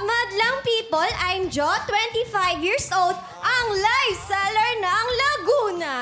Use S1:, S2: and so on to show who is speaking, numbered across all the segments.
S1: madlang people? I'm Jo, 25 years old, ang live seller ng Laguna.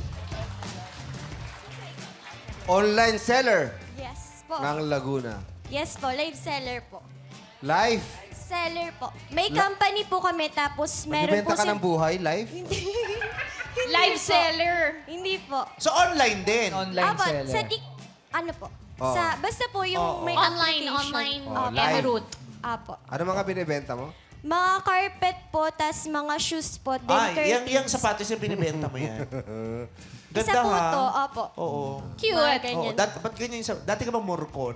S2: Online seller
S1: Yes po.
S2: ng Laguna.
S1: Yes po, live seller po.
S2: Live.
S1: Seller po. May company po kami, tapos meron po
S2: Nagbibenta ka ng buhay, live?
S1: Live seller. Hindi po.
S3: So, online din.
S4: Online
S1: Apo,
S4: seller.
S1: sa ano po?
S2: Oo.
S1: Basta po yung may
S5: Online
S1: application.
S2: Oh,
S1: Opo.
S2: live.
S5: route.
S1: Apo.
S2: Ano mga binibenta mo?
S1: Mga carpet po, tas mga shoes po, then
S3: Ay,
S1: curtains.
S3: yung sapatos yung binibenta mo yan.
S1: Isa
S3: Ganda
S1: po
S3: ha.
S1: to, opo.
S3: Oo.
S1: Mga
S5: Cute.
S1: ganyan.
S3: Ba't ganyan yung dati ka bang morcon?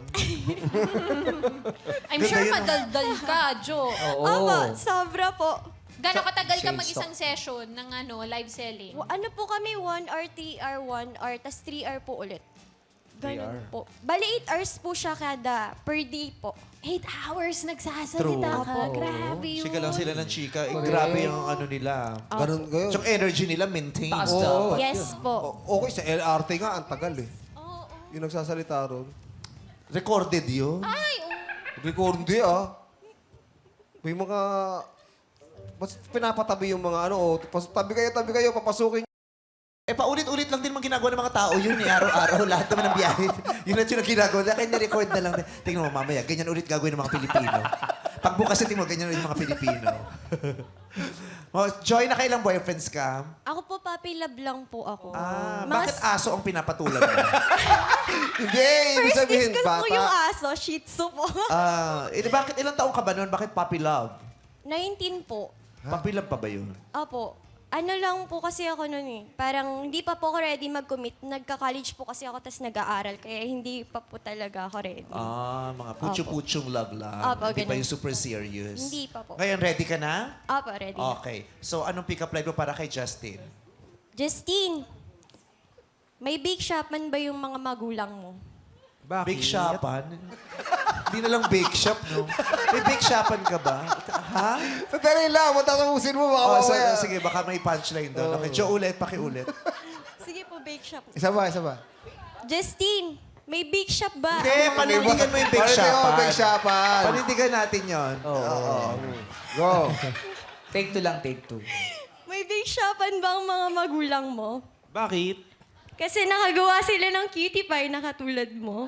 S5: I'm
S3: Ganda
S5: sure
S3: yun, ah.
S5: madaldal ka, Jo.
S4: Oo.
S1: Opo, sobra po.
S5: Gano'ng katagal ka
S4: Shades
S5: mag-isang session ng live selling?
S1: Ano po kami, 1 hour, 3 hour, 1 hour, tas 3 hour po ulit.
S2: 3 hour.
S1: Ganun po. Bali, 8 hours po siya kada per day po.
S5: 8 hours nagsasalita
S3: True.
S5: ka. Grabe yun.
S3: Chika lang sila ng chika. Grabe yung ano nila.
S2: Ganun kayo.
S3: Yung energy nila maintain.
S4: Taas
S2: Oo.
S4: dapat
S1: Yes
S4: yun.
S1: po.
S2: Okay, sa LRT nga, ang tagal eh.
S5: Oo.
S2: Yung nagsasalita ron.
S3: Recorded yun.
S5: Ay,
S2: Record hindi ah. May mga... Mas pinapatabi yung mga ano, tabi kayo, papasukin.
S3: Eh, paulit-ulit lang din mga ginagawa ng mga tao yun eh. Araw-araw, lahat naman ng biyahe. Yun at yun ang ginagawa. Kaya na-record na lang. Tingnan mo mamaya, ganyan ulit gagawin ng mga Pilipino. Pagbukas tingnan mo, ganyan ulit ng mga Pilipino. Oh, Joy, nakailang boyfriends ka?
S1: Ako po, puppy love lang po ako.
S3: Bakit aso ang pinapatulan mo?
S2: Hindi, ibig
S1: First
S2: sabihin,
S1: kiss ko po yung
S2: bata.
S1: aso, Shih Tzu po.
S3: Bakit ilang taong ka ba noon? Bakit puppy love?
S1: 19 po.
S3: Puppy love pa ba yun?
S1: Opo. Ano lang po kasi ako noon eh. Parang hindi pa po ako ready mag-commit. Nagka-college po kasi ako, tas nag-aaral. Kaya hindi pa po talaga ako ready.
S3: Mga putyo-putyong love lang.
S1: Opo,
S3: Hindi pa
S1: ganun.
S3: yung super serious.
S1: Hindi pa po.
S3: Ngayon, ready ka na?
S1: Opo, ready.
S3: Okay. So, anong pick-up line mo para kay Justin?
S1: Justine, may bake shop man ba yung mga magulang mo?
S3: Bake shopan? Hindi na lang bake shop, no? May bake shopan ka ba? Ha?
S2: Sandali lang, matatapusin mo, baka mamaya.
S3: Sige, baka may punchline doon. Okay, Joe, ulit, pakiulit.
S1: Sige po, bake shop.
S2: Isa ba?
S1: Justine, may bake shop ba?
S3: Hindi, panindigan mo yung bake
S2: Panindigan mo
S3: shopan.
S2: yung bake shopan.
S3: Panindigan natin yon.
S2: Oo. Go.
S4: Take 2 lang, take 2.
S1: May bake shopan ba ang mga magulang mo?
S3: Bakit?
S1: Kasi nakagawa sila ng cutie pie na katulad mo.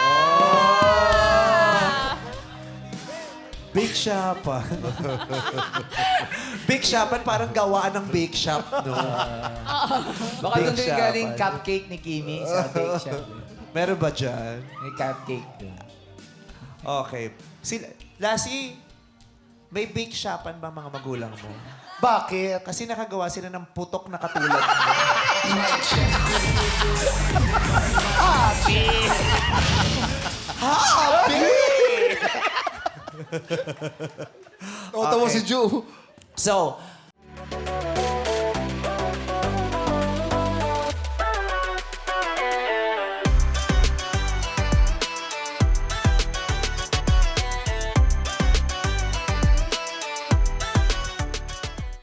S3: Bake shopan. Bake shopan parang gawaan ng bake shop, no?
S4: Baka
S3: Bake
S4: doon din
S3: shop,
S4: galing
S3: ano?
S4: cupcake ni Kimi sa bake shop.
S3: Meron ba dyan?
S4: May cupcake doon.
S3: Okay. Lassie, may bake shopan ba mga magulang mo?
S2: Bakit?
S3: Kasi nakagawa sila ng putok na katulad mo.
S2: Oto mo si Ju.
S3: So,